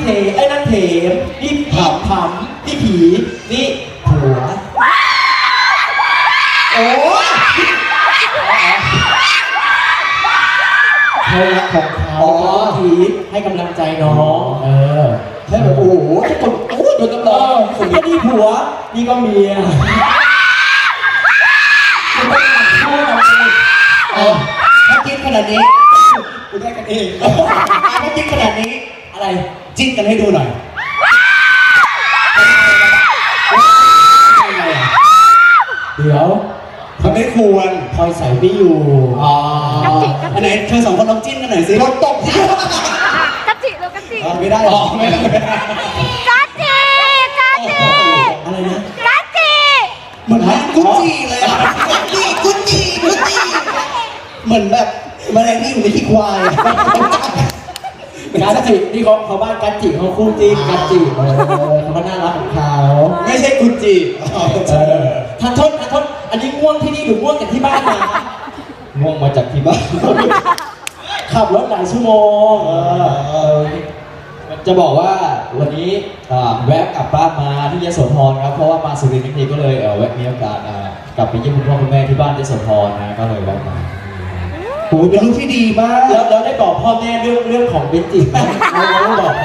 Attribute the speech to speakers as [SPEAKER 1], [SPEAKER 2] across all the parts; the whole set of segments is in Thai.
[SPEAKER 1] ไอ้นั่นเถมนี่ผำนี่ผีนี่ผัวโอ้ยเขารักของเขาผีให้กำลังใจน้องให้แบบโอ้โหทุกคนโอ้ยโดนตำรวจคนนี้ผัวนี่ก็เมียถ้าคิดขนาดนี้กูได้กันเองถ้าคิดขนาดนี้อะไรจิ้นกันให้ดูหน่อยเดี๋ยวเขาไม่ควรพลอยใส่ไม่อยู่อันไหนเธอสองคนลองจิ้นกันหน่อยสิรถตก
[SPEAKER 2] กัจจิแล้วกัจจิ
[SPEAKER 1] ไม่ได้หรอไม่ได้
[SPEAKER 2] กัจจิ
[SPEAKER 1] อะไรนะ
[SPEAKER 2] กัจจิ
[SPEAKER 1] เหมือนกุจิเลยกุจิเหมือนแบบแมลงที่อยู่ในขี้ควายกัจจินี่เขาบ้านกัจจิเขาคู่จิ้นกัจจิเขาก็น่ารักของเขาไม่ใช่กุจิทันทนอันนี้ง่วงที่นี่หรือง่วงจากที่บ้านมาง่วงมาจากที่บ้านขับรถหลายชั่วโมงจะบอกว่าวันนี้แวะกลับบ้านมาที่ยโสธรครับเพราะว่ามาสุรินทร์ทั้งทีก็เลยแวะมีโอกาสกลับไปเยี่ยมคุณพ่อคุณแม่ที่บ้านยโสธรนะก็เลยแวะมาโอ้เป็นลูกที่ดีมากแล้วได้บอกพ่อแม่เรื่องของเบนจิไหมเราไม่บอก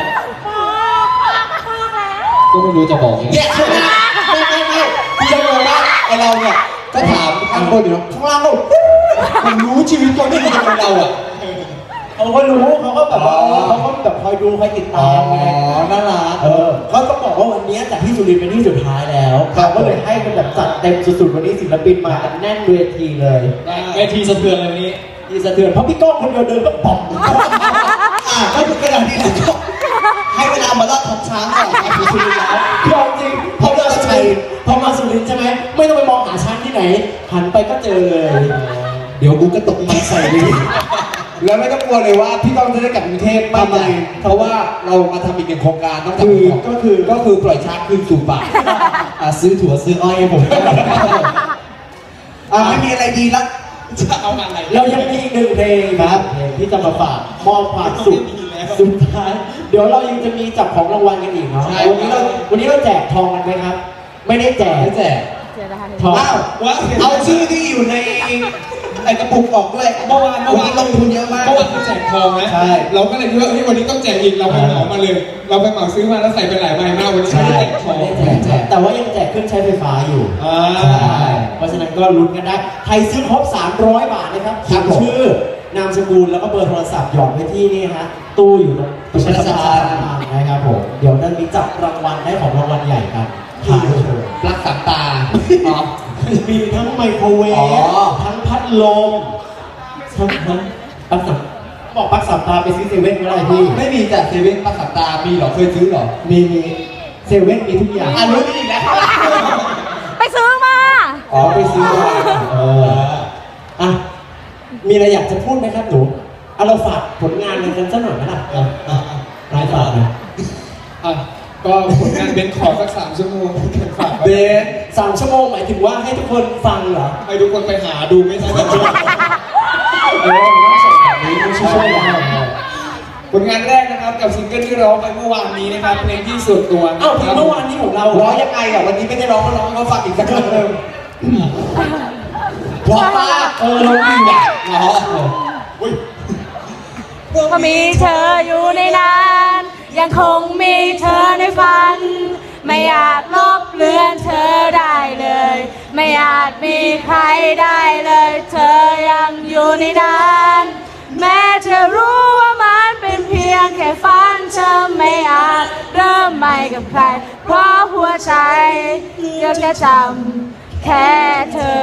[SPEAKER 1] ก็ไม่รู้จะบอกยังไงไม่พี่จะบอกว่าไอเราเนี่ยก็ถามข้างบนอยู่ข้างล่างเราผมรู้ชีวิตตัวนี้ของเราอ่ะเขาก็รู้เขาก็แบบว่าเขาก็แบบคอยดูคอยติดตามไงน่ารักเขาต้องบอกว่าวันนี้จากที่สุรินทร์เป็นที่สุดท้ายแล้วเขาก็เลยให้เป็นแบบจัดเต็มสุดๆวันนี้ศิลปินมาแน่นเวทีเลยเวทีสะเทือนเลยวันนี้ที่สะเทือนเพราะพี่ก้องคนเดียวเดินก็ป๋องก็คือกระดาษนี้นะให้เวลามาลอดทับช้างก่อนมาสุรินทร์แล้วพี่จริงพอมาสุรินทร์ใช่ไหมไม่ต้องไปมองหาช้างที่ไหนหันไปก็เจอเลยเดี๋ยวกูก็ตกมันใส่เลยแล้วไม่ต้องกลัวเลยว่าพี่ต้องจะได้กลับกรุงเทพทำไมเพราะว่าเรามาทำอีกหนึ่งโครงการต้องจับก็คือปล่อยช้างคืนสู่ป่าซื้อถั่วซื้ออ้อยให้ผมไม่มีอะไรดีละจะเอาอะไรเรายังมีอีกหนึ่งเพลงครับที่จะมาฝากมอบความสุขสุดท้ายเดี๋ยวเรายังจะมีจับของรางวัลกันอีกเนาะวันนี้เราแจกทองกันไหมครับไม่ได้แจกทองเอาชื่อที่อยู่ในไอกระปุกออกด้วยเมื่อวานลงทุนเยอะมากเมื่อวานแจกทองนะใช่เราก็เลยคิดว่าวันนี้ต้องแจกอีกเราไปเหมามาเลยเราไปเหมาซื้อมาแล้วใส่ไปหลายใบมากวันนี้ไม่ได้แจกทองแต่ว่ายังแจกเครื่องใช้ไฟฟ้าอยู่เพราะฉะนั้นก็ลุ้นกันได้ใครซื้อครบ300 บาทนะครับเขียนชื่อนามสกุลแล้วก็เบอร์โทรศัพท์หยอดไว้ที่นี่ฮะตู้อยู่ตรงประชาสัมพันธ์นะครับผมเดี๋ยวนั้นมีจับรางวัลได้ของรางวัลใหญ่กันถ่ายโชว์ปลั๊กสามตามีทั้งไมโครเวฟทั้งพัดลมทั้งปลั๊กสามบอกปลั๊กสามตาไปซื้อเซเว่นก็ได้พี่ไม่มีแต่เซเว่นปลั๊กสามตามีหรอเคยซื้อหรอมีเซเว่นมีทุกอย่างรู้นี่อีกแล้ว
[SPEAKER 2] ไปซื้อมา
[SPEAKER 1] ไปซื้อมามีอะไรอยากจะพูดไหมครับหนูเราฝากผลงานกันสักหน่อยไหมล่ะรายฝากนะ
[SPEAKER 3] ก็ผลงานเป็นขอสัก3 ชั่วโมงฝาก
[SPEAKER 1] เบน3 ชั่วโมงหมายถึงว่าให้ทุกคนฟังเหรอ
[SPEAKER 3] ให้ทุกคนไปหาดูไม่ใช่กันด้วย
[SPEAKER 1] ต้องส่งแบบนี้ไม่ช่วยได้
[SPEAKER 3] ผลงานแรกนะครับกับซิงเกิลที่ร้องไปเมื่อวานนี้นะครับเพลงที่ส่วนตัว
[SPEAKER 1] เมื่อวานนี้ของเราร้องยังไงอ่ะวันนี้ไม่ได้ร้องก็ร้องเขาฟังอีกสักครั้งนึงเพราะว่าเราดีอ่ะ
[SPEAKER 2] ก็มีเธออยู่ในนั้นยังคงมีเธอในฝันไม่อาจลบเลือนเธอได้เลยไม่อาจมีใครได้เลยเธอยังอยู่ในนั้นแม้เธอรู้ว่ามันเป็นเพียงแค่ฝันเธอไม่อาจเริ่มใหม่กับใครเพราะหัวใจยังจะจำแค่เธอ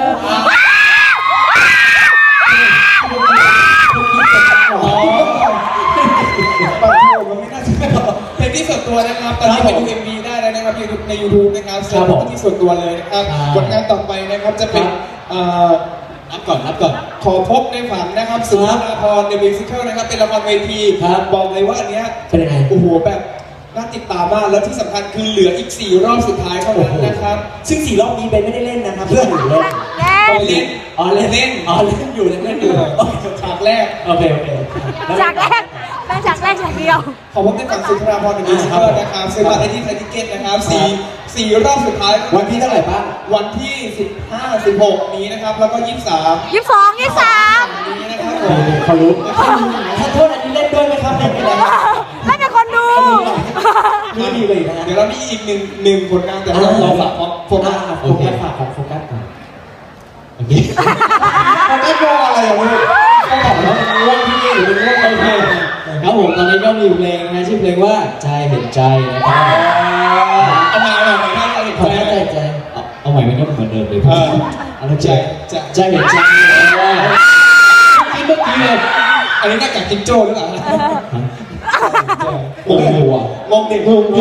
[SPEAKER 3] เพลงที่ส่วนตัวนะครับตอนนี้ไปดู MV ได้แล้วนะครับใน YouTube นะครับเสิร์ชที่ส่วนตัวเลยนะครับผลงานต่อไปนะครับจะเป็นนับก่อนขอพบในฝันนะครับสุภาพรในมิวสิคัลนะครับเป็นละครเวทีบอกเลยว่าอันเนี้ย
[SPEAKER 1] เป็นยังไง
[SPEAKER 3] โอ้โหแบบน่าติดตามมากแล้วที่สำคัญคือเหลืออีก4 รอบสุดท้ายเท่านั้นนะครับ
[SPEAKER 1] ซึ่ง4 รอบนี้เบนไม่ได้เล่นนะครับเพื่อนอยู่เล่น
[SPEAKER 3] เล่น
[SPEAKER 1] อยู่เล่นอยู่
[SPEAKER 3] ฉากแรก
[SPEAKER 1] โอเค
[SPEAKER 2] ฉากแรกแบได้ฉากเดียว
[SPEAKER 3] ขอพบในฝั่งสุนทราภรณ์1 มิวสิคลนะครับซื้อบัตรได้ที่ไทยทิเก็ตนะครับ4รอบสุดท้าย
[SPEAKER 1] วันที่เท่าไหร่บ้าง
[SPEAKER 3] วันที่15 16นี้นะครับแล้วก็23
[SPEAKER 2] 22 23
[SPEAKER 3] นี้นะครับผม
[SPEAKER 1] เขารู้ถ้าโทษอันนี้เล่นด้วยไหมครับเล่นไปแล้ว
[SPEAKER 2] ไม่เป็นคนดู
[SPEAKER 1] นี่ดีเลยนะฮะ
[SPEAKER 3] เดี๋ยวเรามีอีกหนึ่งผลงานแต่เราฝากโฟกัส
[SPEAKER 1] โฟกัสฝากของโฟกัสก่อนโอเคโฟกัสมองอะไรอ่ะลูกก็บอกแล้วมันง่วงที่นี่หรือมันง่วงโอเคครับผมตอนนี้ก็มีเพลงนะชื่อเพลงว่าใจเห็นใจนะครับ
[SPEAKER 3] เอามาถ้าเราเห็น
[SPEAKER 1] ขอ
[SPEAKER 3] ใจ
[SPEAKER 1] ใจใจเอาใหม่มันก็เหมือนเดิมเลยเอาใจใจเห็นใจว่าเมื่อกี้เลย
[SPEAKER 3] อันนี้หน้ากากจิงโจ้หรือเปล่า
[SPEAKER 1] โอ้โหอ่ะ
[SPEAKER 3] งงเด็ก
[SPEAKER 1] งง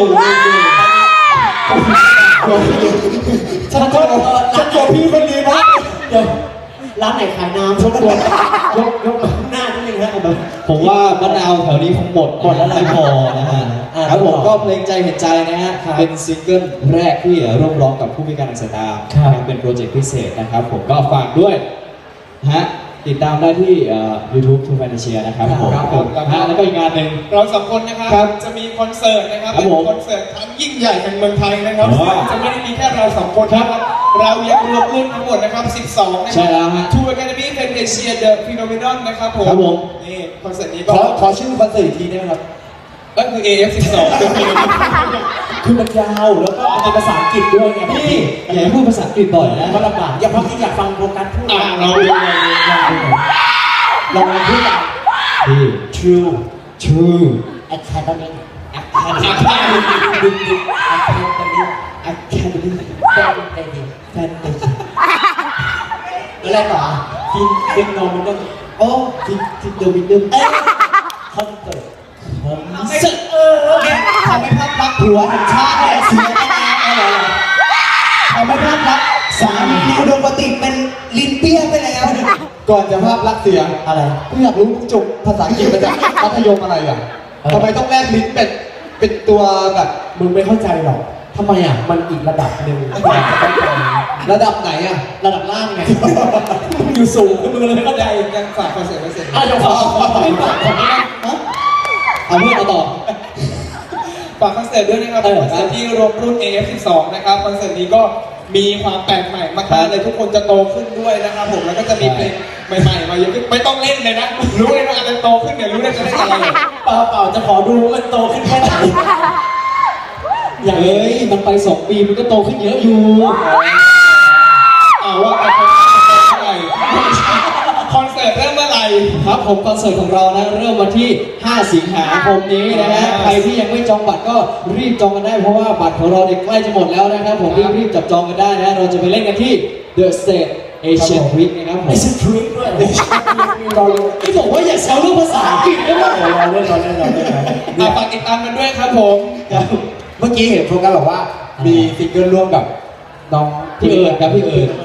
[SPEAKER 1] ฉันกลัวพี่คนนี้มากเดี๋ยวร้านไหนขายน้ำชกตัวยกหน้านิดนึงฮะแบบ
[SPEAKER 4] ผมว่ามะนาวแถวนี้คงหมดแล้วไม่พอนะฮะครับผมก็เพลงใจเห็นใจนะฮะเป็นซิงเกิลแรกที่ร่วมร้องกับผู้พิการทางสายตาเป็นโปรเจกต์พิเศษนะครับผมก็ฝากด้วยฮะติดตามได้ที่YouTube True Financial นะครับผมแล้วก็อีกงานหนึ่ง
[SPEAKER 3] เราสองคนนะครับจะมีคอนเสิร์ตนะครับเป็นคอนเสิร์ตครั้งยิ่งใหญ่แห่งเมืองไทยนะครับจะไม่ได้มีแค่เราสองคนนะครับเรายังรวมรุ่นทั้งหมดนะครับ12นะครับ
[SPEAKER 4] ใช่แล้วฮะ
[SPEAKER 3] True Academy Fantasia The Phenomenon นะครับผม
[SPEAKER 4] ครับผม
[SPEAKER 3] นี่คอนเสิร์ตนี้ก็
[SPEAKER 1] ขอชื่อคอนเสิร์ตอีกทีได้ไหมครับ
[SPEAKER 3] ก็คือ AF12 The Phenomenon
[SPEAKER 1] คือมันยาวแล้วก็เป็นภาษาอังกฤษด้วยไง
[SPEAKER 4] พี่อย่าให้พูดภาษาอังกฤษบ่อยนะ
[SPEAKER 1] มันลำบากอย่าพักที่อยากฟังโฟกัสพูด
[SPEAKER 3] เราดู
[SPEAKER 1] ลองพูดกัน
[SPEAKER 4] พี่
[SPEAKER 1] True
[SPEAKER 4] True
[SPEAKER 1] Academy
[SPEAKER 3] Academy
[SPEAKER 1] Academy Fantasy อะไรต่อฟินโนมินอลโอ้ฟินโนมินอลคอนเสิร์ตทำให้ภาพลักษณ์ผัวแห่งชาติเนี่ยเสียไปแล้วทำให้ภาพลักษณ์สามีอุดมคติเป็นลิ้นเปี้ยไปแล้ว
[SPEAKER 5] ก่อนจะภาพลักษณ์เสีย
[SPEAKER 1] อะไร
[SPEAKER 5] กูอยากรู้มึงจบภาษาอังกฤษมาจากมัธยมอะไรอ่ะทำไมต้องแลกลิ้นเป็นตัวแบบ
[SPEAKER 1] มึงไม่เข้าใจหรอกทำไมอ่ะมันอีกระดับหนึ่งที่อยากจะเข้าใจ
[SPEAKER 5] ระดับไหนอ่ะ
[SPEAKER 1] ระดับล่างไงมึงอยู่สูงมึงเลยไม่เข้าใจ
[SPEAKER 3] ยังฝากคอนเสิร์ตไว้เสร็จ
[SPEAKER 1] อ้าวจะขอไม่ฝากของนี่นะ
[SPEAKER 4] เอาเพื่อนมาต่อ
[SPEAKER 3] ฝากคอนเสิร์ตด้วยนะครับคอนเสิร์ตที่รวมรุ่น AF12 นะครับคอนเสิร์ตนี้ก็มีความแปลกใหม่มากๆเลยทุกคนจะโตขึ้นด้วยนะครับผมแล้วก็จะมีเพลงใหม่ๆมาเยอะขึ้นไม่ต้องเล่นเลยนะรู้เลยว่าอาจจะโตขึ้นเนี่ยรู้เลยจะได้อะไร
[SPEAKER 1] เปล่าจะขอดูว่ามันโตขึ้นแค่ไหน
[SPEAKER 4] อย่างเอ้ยมันไป2 ปีมันก็โตขึ้นเยอะอยู่
[SPEAKER 3] ว่าคอนเสิร์ตเริ่มเมื่อไหร่
[SPEAKER 4] ครับผมคอนเสิร์ตของเรานะเริ่มวันที่ 5 สิงหาคมนี้นะฮะใครที่ยังไม่จองบัตรก็รีบจองกันได้เพราะว่าบัตรของเราเนี่ยใกล้จะหมดแล้วนะครับผมรีบจับจองกันได้นะเราจะไปเล่นกันที่ The State Asian Week นะครับผม
[SPEAKER 1] ไอ้ฉันทริคด้วยรอเลย
[SPEAKER 4] ที่บอกว่าอย่าแซวเรื่องภาษาอังกฤษได้ไหม
[SPEAKER 1] รอเล่น
[SPEAKER 3] ฝากติดตามกันด้วยครับผม
[SPEAKER 5] เมื่อกี้เห็นโฟกัสบอกว่ามีซิงเกิลร่วมกับน้อง
[SPEAKER 4] พี่เอิญครับพี่เอิญ